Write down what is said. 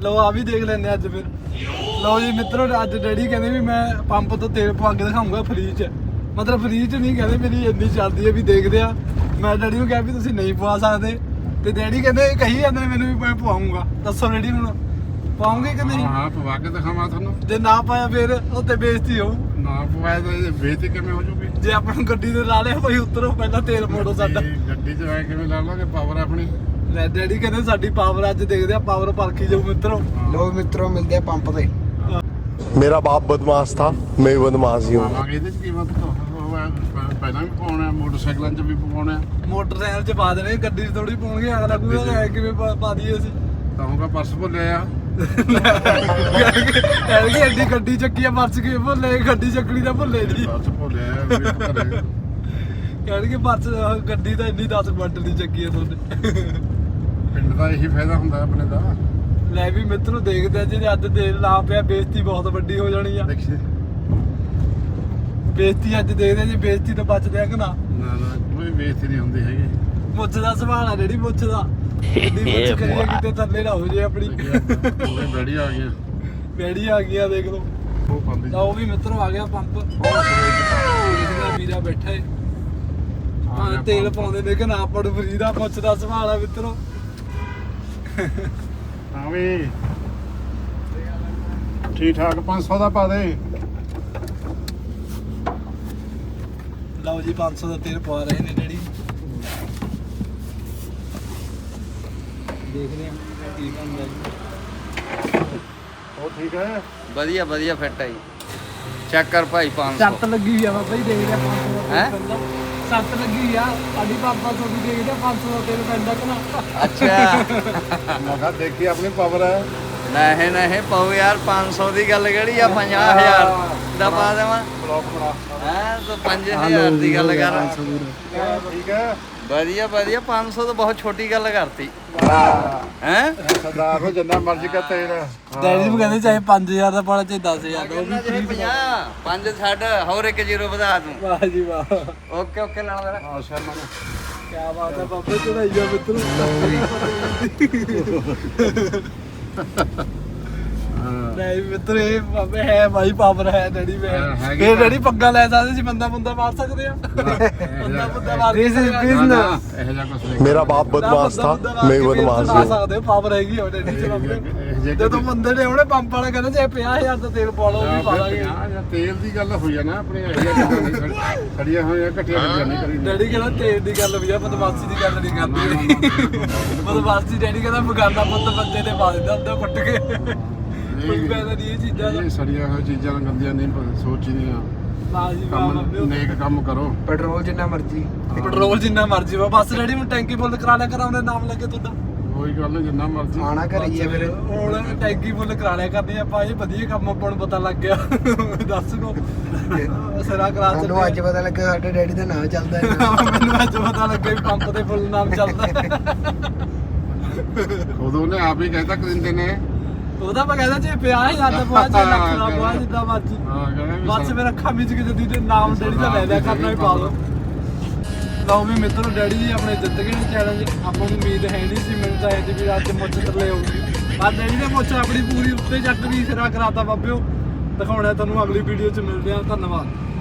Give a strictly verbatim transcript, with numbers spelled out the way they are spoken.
ਲਓ ਆ ਵੀ ਦੇਖ ਲੈਂਦੇ ਅੱਜ ਫਿਰ। ਲਓ ਜੀ ਮਿੱਤਰੋ, ਅੱਜ ਡੈਡੀ ਕਹਿੰਦੇ ਵੀ ਮੈਂ ਪੰਪ ਤੋਂ ਤੇਲ ਪਵਾ ਕੇ ਦਿਖਾਊਂਗਾ ਫ੍ਰੀ ਚ। ਮਤਲਬ ਫ੍ਰੀ ਚ ਨਹੀਂ ਕਹਿੰਦੇ, ਮੇਰੀ ਇੰਨੀ ਚੱਲਦੀ ਹੈ ਵੀ ਦੇਖਦੇ ਆ। ਮੈਂ ਡੈਡੀ ਨੂੰ ਕਿਹਾ ਵੀ ਤੁਸੀਂ ਨਹੀਂ ਪਵਾ ਸਕਦੇ, ਤੇ ਡੈਡੀ ਕਹਿੰਦੇ ਕਹੀ ਜਾਂਦੇ ਨੇ ਮੈਨੂੰ ਵੀ ਮੈਂ ਪਵਾਉਂਗਾ। ਦੱਸੋ ਡੈਡੀ ਹੁਣ ਪਾਉਂਗੇ ਕਿ ਨਹੀਂ? ਹਾਂ ਪਵਾ ਕੇ ਦਿਖਾਵਾਂ ਤੁਹਾਨੂੰ। ਜੇ ਨਾ ਪਾਇਆ ਫਿਰ ਉੱਤੇ ਬੇਇੱਜ਼ਤੀ ਹੋਊ। ਨਾ ਪਵਾਇਆ ਤਾਂ ਬੇਇੱਜ਼ਤੀ ਕਿਵੇਂ ਹੋ ਜੂਗੀ? ਜੇ ਆਪਾਂ ਨੂੰ ਗੱਡੀ ਤੇ ਲਾ ਲਿਆ ਭਾਈ ਉਤਰੋ ਪਹਿਲਾਂ ਤੇਲ ਮੋੜੋ ਸਾਡਾ। ਗੱਡੀ 'ਚ ਆ ਕਿਵੇਂ ਲਾ ਲਾਂਗੇ ਪਾਵਰ ਆਪਣੀ? ਲੈ ਡੈਡੀ ਕਹਿੰਦੇ ਸਾਡੀ ਪਾਵਰ ਅੱਜ ਦੇਖਦੇ ਆ, ਪਾਵਰ ਪਰਖੀ ਜਾਊ ਮਿੱਤਰੋ। ਲੋ ਮਿੱਤਰੋ ਮਿਲਦੇ ਆ ਪੰਪ ਤੇ। मेरा बाप बदमाश था, मैं बदमाश ही हूँ। ਪਾਵਾਂਗੇ ਇਹਦੇ 'ਚ ਕੀਮਤ ਪਹਿਲਾਂ ਵੀ ਪਾਉਣਾ, ਮੋਟਰਸਾਈਕਲਾਂ 'ਚ ਵੀ ਪਾਉਣਾ। ਮੋਟਰਸਾਈਕਲ 'ਚ ਪਾ ਦੇਣੇ, ਗੱਡੀ 'ਚ ਥੋੜੀ ਪਾਉਣਗੇ। ਅਗਲਾ ਕੋਈ ਐ ਕਿਵੇਂ ਪਾ ਪਾ ਦਈਏ ਅਸੀਂ? ਤਾਂਗਾ ਪਰਸ ਭੁੱਲਿਆ ਆ। ਐਲਗੀ ਐਡੀ ਗੱਡੀ ਚੱਕੀ ਆ, ਪਰਸ ਕਿਵੇਂ ਭੁੱਲੇ? ਗੱਡੀ ਚੱਕਣੀ ਤਾਂ ਭੁੱਲੇ ਨਹੀਂ। ਪਰਸ ਭੁੱਲਿਆ ਆ ਵੀ ਘਰੇ। ਕਹਿਣਗੇ ਪਰਸ ਗੱਡੀ ਤਾਂ ਇੰਨੀ ਦਸ ਕੁਆਂਟਲ ਦੀ ਚੱਕੀ ਆ ਤੁਹਾਡੇ। ਪਿੰਡ ਦਾ ਇਹੀ ਫਾਇਦਾ ਹੁੰਦਾ ਆਪਣੇ ਦਾ। ਲੈ ਵੀ ਮਿੱਤਰੋ ਦੇਖਦੇ ਆ, ਜੇ ਅੱਜ ਤੇਲ ਲਾ ਪਿਆ ਬੇਇੱਜ਼ਤੀ ਬਹੁਤ ਵੱਡੀ ਹੋ ਜਾਣੀ ਆ। ਦੇਖੀ ਬੇਇੱਜ਼ਤੀ ਅੱਜ ਦੇਖਦੇ ਆ, ਜੇ ਬੇਇੱਜ਼ਤੀ ਤੋਂ ਬਚਦੇ ਆ ਕਿ ਨਾ। ਨਾ ਨਾ ਕੋਈ ਬੇਇੱਜ਼ਤੀ ਨਹੀਂ ਹੁੰਦੀ ਹੈਗੀ। ਮੁੱਛ ਦਾ ਸਵਾਲ ਆ ਜਿਹੜੀ ਮੁੱਛ ਦਾ, ਗੱਡੀ ਮੁੱਛ ਕਰੀਏ ਕਿਤੇ ਥੱਲੇ ਨਾ ਹੋ ਜੇ ਆਪਣੀ। ਉਹਦੇ ਬੈੜੀ ਆ ਗਈਆਂ। ਬੈੜੀ ਆ ਗਈਆਂ ਦੇਖ ਲਓ। ਉਹ ਪਾਉਂਦੀ ਤਾਂ ਉਹ ਵੀ ਮਿੱਤਰੋ ਆ ਗਿਆ ਪੰਪ। ਦੇਖਦਾ ਵੀਰਾ ਬੈਠਾ ਏ, ਹਾਂ ਤੇਲ ਪਾਉਂਦੇ ਨੇ ਕਿ ਨਾ ਪੜੂ ਫਰੀ ਦਾ। ਮੁੱਛ ਦਾ ਸਵਾਲ ਆ ਮਿੱਤਰੋ। ਹਾਂ ਵੀ ਠੀਕ ਠਾਕ ਪੰਜ ਸੌ ਦਾ ਪਾ ਦੇ। ਲਓ ਜੀ ਪੰਜ ਸੌ ਦਾ ਤੇਲ ਪਵਾ ਰਹੇ ਨੇ ਡੈਡੀ। ਦੇਖਦੇ ਆ ਕੀ ਬਣਦਾ ਜੀ। ਉਹ ਠੀਕ ਹੈ। ਵਧੀਆ ਵਧੀਆ ਫਿੱਟ ਹੈ ਜੀ। ਚੈੱਕ ਕਰ ਭਾਈ ਪੰਜ ਸੌ। ਸੱਤ ਲੱਗੀ ਹੋਈ ਆ ਬਾਬਾ ਜੀ, ਦੇਖਦੇ ਆ ਪੰਜ ਸੌ ਦਾ ਹੈਂ? ਤੇਲ ਪੈਂਦਾ। ਸੱਤ ਲੱਗੀ ਹੋਈ ਆ ਸਾਡੀ ਪਾਪਾ ਸੌ ਦੀ, ਦੇਖਦੇ ਆ ਪੰਜ ਸੌ ਦਾ ਤੇਲ ਪੈਂਦਾ ਕਿ ਨਾ। ਅੱਛਾ ਮੈਂ ਕਿਹਾ ਦੇਖੀ ਆਪਣੀ ਪਾਵਰ ਹੈ। ਨਹੀਂ ਨਹੀਂ ਪਾਓ ਯਾਰ, ਪੰਜ ਸੌ ਦੀ ਗੱਲ ਕਿਹੜੀ ਆ? ਪੰਜਾਹ ਹਜ਼ਾਰ ਦਾ ਪਾ ਦੇਵਾਂ? ਬਲੌਕ ਬਣਾ। ਹੈ ਤੂੰ ਪੰਜ ਹਜ਼ਾਰ ਦੀ ਗੱਲ ਕਰ। ਠੀਕ ਹੈ। ਵਧੀਆ ਵਧੀਆ, ਪੰਜ ਸੌ ਤਾਂ ਬਹੁਤ ਛੋਟੀ ਗੱਲ ਕਰਤੀ। ਹੈ ਸਰਦਾਰ ਨੂੰ ਜਿੰਨਾ ਮਰਜ਼ੀ ਕਾ ਤੇਲ। ਡੈਡੀ ਨੂੰ ਕਹਿੰਦੇ ਚਾਹੇ ਪੰਜ ਹਜ਼ਾਰ ਦਾ ਪਾਣਾ ਚਾਹੇ ਦਸ ਹਜ਼ਾਰ ਦਾ, ਉਹ ਵੀ free ਪੰਜਾਹ ਪੰਜ ਛੱਡ, ਹੋਰ ਇੱਕ ਜ਼ੀਰੋ ਵਧਾ ਦੂੰ। ਵਾਹ ਜੀ ਵਾਹ, ਓਕੇ ਓਕੇ ਨਾਲ ਮੇਰਾ। ਹਾਂ ਸ਼ਰਮਾ ਨੂੰ ਕਿਆ ਬਾਤ ਹੈ ਬਾਬੇ, ਚੜਾਈਆ ਮਿੱਤਰ। ਨਹੀਂ ਮਿੱਤਰ ਇਹ ਬਾਬੇ ਹੈ ਭਾਈ, ਪਾਵਰ ਹੈ ਡੈਡੀ ਵਿੱਚ। ਹਾਂ, ਹੈਗੀ ਇਹ ਡੈਡੀ ਪੱਗਾ ਲੈ ਸਕਦੇ ਸੀ, ਬੰਦਾ ਬੰਦਾ ਮਾਰ ਸਕਦੇ ਆ। ਬੰਦਾ ਬੰਦਾ ਮਾਰ This is ਸਕਦੇ ਆ। business. ਇਹੋ ਜਿਹਾ ਕੁਛ ਨਹੀਂ। मेरा बाप बदमाश था, मैं बदमाश ਲਾ ही हूँ। ਸਕਦੇ ਪਾਵਰ ਹੈਗੀ ਆ ਡੈਡੀ ਚ ਬਾਬੇ। ਇਹੋ ਜਿਹੇ ਜਦੋਂ ਬੰਦੇ ਨੇ ਉਹਨੇ ਪੰਪ ਵਾਲਾ ਕਹਿੰਦਾ ਜੇ ਪੰਜਾਹ ਹਜ਼ਾਰ ਦਾ ਤੇਲ ਪਾ ਲਓ, ਉਹ ਵੀ ਪਾ ਲਾਂਗੇ। ਜਾਂ ਤੇਲ ਦੀ ਗੱਲ ਹੋਈ ਆ ਨਾ ਆਪਣੀ, ਇਹੋ ਜਿਹੀਆਂ ਗੱਲਾਂ ਨਹੀਂ ਖੜੀ- ਖੜੀਆਂ ਹੋਈਆਂ ਘਟੀਆਂ ਗੱਲਾਂ ਨਹੀਂ ਕਰੀ। ਡੈਡੀ ਕਹਿੰਦਾ ਤੇਲ ਦੀ ਗੱਲ ਵੀ ਆ, ਬਦਮਾਸ਼ੀ ਦੀ ਗੱਲ ਨਹੀਂ ਕਰਦੀ। ਬਦਮਾਸ਼ੀ ਡੈਡੀ ਕਹਿੰਦਾ ਬਗਾਨਾ ਪੁੱਤ ਬੰਦੇ ਤੇ ਪਾ ਦਿੰਦਾ ਹੁੰਦਾ ਕੁੱਟ ਕੇ। ਕੋਈ ਫਾਇਦਾ ਨਹੀਂ ਇਹ ਚੀਜ਼ਾਂ ਦਾ। ਇਹ ਸੜੀਆਂ ਹੋਈਆਂ ਚੀਜ਼ਾਂ ਗੰਦੀਆਂ ਨਹੀਂ ਪ- ਸੋਚਦੀਆਂ। ਨਾ ਜੀ ਵਾਹ ਕੰਮ ਬਾਬੇ। ਨੇਕ ਕੰਮ ਕਰੋ। ਪੈਟਰੋਲ ਜਿੰਨਾ ਮਰਜ਼ੀ। ਪੈਟਰੋਲ ਜਿੰਨਾ ਮਰਜ਼ੀ ਵਾ, ਬਸ ਡੈਡੀ ਹੁਣ ਟੈਂਕੀ ਫੁੱਲ ਕਰਾ ਲਿਆ ਕਰਾਂ, ਉਹਨੇ ਨਾਮ ਲੱਗੇ ਤੁਹਾਡਾ। ਕੋਈ ਗੱਲ ਨਹੀਂ, ਜਿੰਨਾ ਮਰਜ਼ੀ। ਆਣਾ ਘਰੇ ਹੀ ਆ ਫਿਰ। ਹੁਣ ਟੈਂਕੀ ਫੁੱਲ ਕਰਾ ਲਿਆ ਕਰਨੀ ਆਪਾਂ, ਇਹ ਵਧੀਆ ਕੰਮ ਆਪਾਂ ਨੂੰ ਪਤਾ ਲੱਗ ਗਿਆ। ਦੱਸ ਕੋ ਸਿਰਾ ਕਰਾ ਸਾਨੂੰ ਅੱਜ ਪਤਾ ਲੱਗਾ ਸਾਡੇ ਡੈਡੀ ਦਾ ਨਾਮ ਚੱਲਦਾ ਹੈ। ਮੈਨੂੰ ਅੱਜ ਪਤਾ ਲੱਗਿਆ ਵੀ ਪੰਪ ਤੇ ਫੁੱਲ ਨਾਮ ਚੱਲਦਾ। ਖੁਦ ਉਹਨੇ ਆਪ ਹੀ ਕਹਿਤਾ ਕਿ ਦਿੰਦੇ ਨੇ। ਉਹਦਾ ਮੈਂ ਕਹਿੰਦਾ ਜੇ ਪੰਜਾਹ ਹਜ਼ਾਰ ਦਾ ਪਵਾ, ਜੇ ਲੱਖ ਦਾ ਪਵਾ, ਜਿੱਦਾਂ ਮਰਜ਼ੀ। ਹਾਂ ਕਹਿੰਦਾ ਵੀ ਬਸ ਫਿਰ ਅੱਖਾਂ ਵਿੱਚ ਕਿ ਜਦੀ ਦੇ ਨਾਮ ਡੈਡੀ ਦਾ ਲੈ ਲਿਆ ਕਰਨਾ ਵੀ ਪਾ ਲਓ। ਲਓ ਵੀ ਮਿੱਤਰੋ, ਡੈਡੀ ਜੀ ਆਪਣੇ ਜਿੱਤ ਗਏ ਨੇ ਚੈਲੰਜ। ਆਪਾਂ ਨੂੰ ਉਮੀਦ ਹੈ ਨਹੀਂ ਸੀ, ਮੈਨੂੰ ਤਾਂ ਇਹ ਸੀ ਵੀ ਅੱਜ ਮੁੱਛ ਥੱਲੇ ਆਊਗੀ, ਪਰ ਡੈਡੀ ਨੇ ਮੁੱਛ ਆਪਣੀ ਪੂਰੀ ਉੱਤੇ ਜੱਟ ਵੀ ਸਿਰਾ ਕਰਾਤਾ ਬਾਬਿਓ। ਦਿਖਾਉਣਾ ਤੁਹਾਨੂੰ ਅਗਲੀ ਵੀਡੀਓ 'ਚ ਮਿਲਦੇ ਆ। ਧੰਨਵਾਦ।